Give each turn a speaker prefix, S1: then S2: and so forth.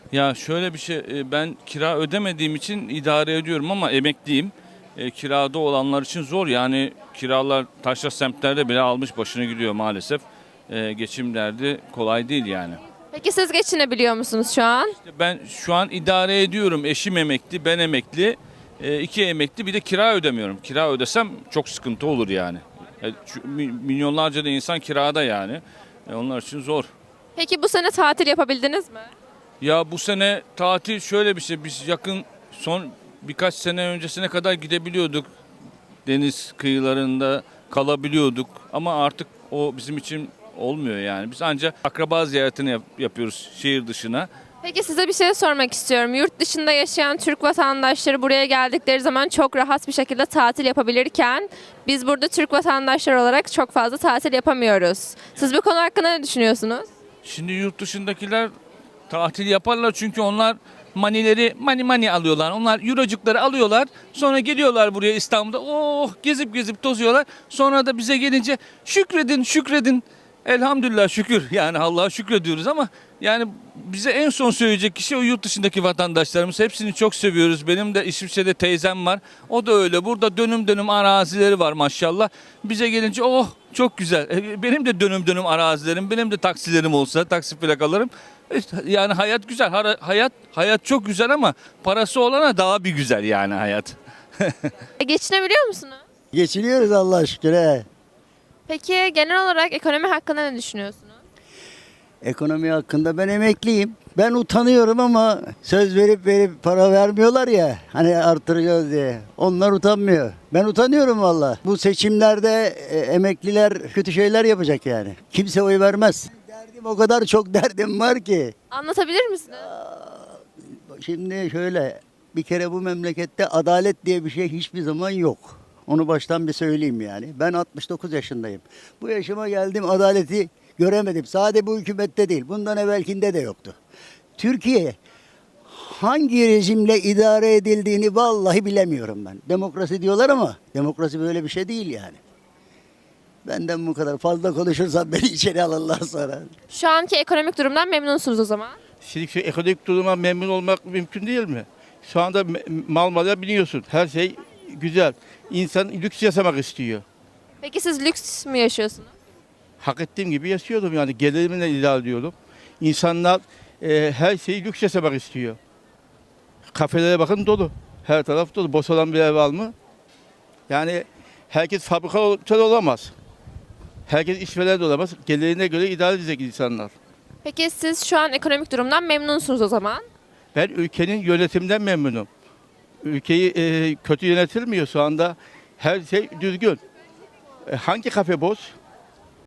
S1: Ya şöyle bir şey, ben kira ödemediğim için idare ediyorum ama emekliyim. Kirada olanlar için zor yani kiralar taşra semtlerde bile almış başını gidiyor maalesef. Geçim derdi kolay değil yani.
S2: Peki siz geçinebiliyor musunuz şu an?
S1: Ben şu an idare ediyorum. Eşim emekli, ben emekli. İki emekli bir de kira ödemiyorum. Kira ödesem çok sıkıntı olur yani. Milyonlarca da insan kirada yani. Onlar için zor.
S2: Peki bu sene tatil yapabildiniz mi?
S1: Ya bu sene tatil şöyle bir şey. Biz yakın son birkaç sene öncesine kadar gidebiliyorduk. Deniz kıyılarında kalabiliyorduk. Ama artık o bizim için olmuyor yani. Biz ancak akraba ziyaretini yapıyoruz şehir dışına.
S2: Peki size bir şey sormak istiyorum. Yurt dışında yaşayan Türk vatandaşları buraya geldikleri zaman çok rahat bir şekilde tatil yapabilirken biz burada Türk vatandaşları olarak çok fazla tatil yapamıyoruz. Siz bu konu hakkında ne düşünüyorsunuz?
S1: Şimdi yurt dışındakiler tatil yaparlar çünkü onlar manileri mani alıyorlar. Onlar eurocukları alıyorlar. Sonra geliyorlar buraya İstanbul'da. Oh gezip gezip tozuyorlar. Sonra da bize gelince şükredin şükredin. Elhamdülillah şükür. Yani Allah'a şükrediyoruz ama yani bize en son söyleyecek kişi o yurt dışındaki vatandaşlarımız. Hepsini çok seviyoruz. Benim de İsviçre'de teyzem var. O da öyle. Burada dönüm dönüm arazileri var maşallah. Bize gelince oh çok güzel. Benim de dönüm dönüm arazilerim, benim de taksilerim olsa, taksi plakalarım. İşte yani hayat güzel. Hayat çok güzel ama parası olana daha bir güzel yani hayat.
S2: Geçinebiliyor musunuz?
S3: Geçiniyoruz Allah'a şükür. He.
S2: Peki genel olarak ekonomi hakkında ne düşünüyorsunuz?
S3: Ekonomi hakkında ben emekliyim. Ben utanıyorum ama söz verip para vermiyorlar ya. Hani artıracağız diye. Onlar utanmıyor. Ben utanıyorum valla. Bu seçimlerde emekliler kötü şeyler yapacak yani. Kimse oy vermez. Derdim o kadar çok derdim var ki.
S2: Anlatabilir misiniz?
S3: Şimdi şöyle bir kere bu memlekette adalet diye bir şey hiçbir zaman yok. Onu baştan bir söyleyeyim yani. Ben 69 yaşındayım. Bu yaşıma geldim adaleti göremedim. Sadece bu hükümette değil. Bundan evvelkinde de yoktu. Türkiye hangi rejimle idare edildiğini vallahi bilemiyorum ben. Demokrasi diyorlar ama demokrasi böyle bir şey değil yani. Benden bu kadar fazla konuşursam beni içeri alırlar sonra.
S2: Şu anki ekonomik durumdan memnunsunuz o zaman.
S4: Şimdi şu ekonomik duruma memnun olmak mümkün değil mi? Şu anda mal mala biniyorsun. Her şey güzel. İnsan lüks yaşamak istiyor.
S2: Peki siz lüks mü yaşıyorsunuz?
S4: Hak ettiğim gibi yaşıyorum yani. Gelirimle idare ediyorum. İnsanlar her şeyi lüks yaşamak istiyor. Kafelere bakın dolu. Her taraf dolu. Boş olan bir ev var mı? Yani herkes fabrikatör olamaz. Herkes işveren de olamaz. Gelirine göre idare edecek insanlar.
S2: Peki siz şu an ekonomik durumdan memnunsunuz o zaman.
S4: Ben ülkenin yönetimden memnunum. Ülkeyi kötü yönetilmiyor şu anda. Her şey düzgün. Hangi kafe boş?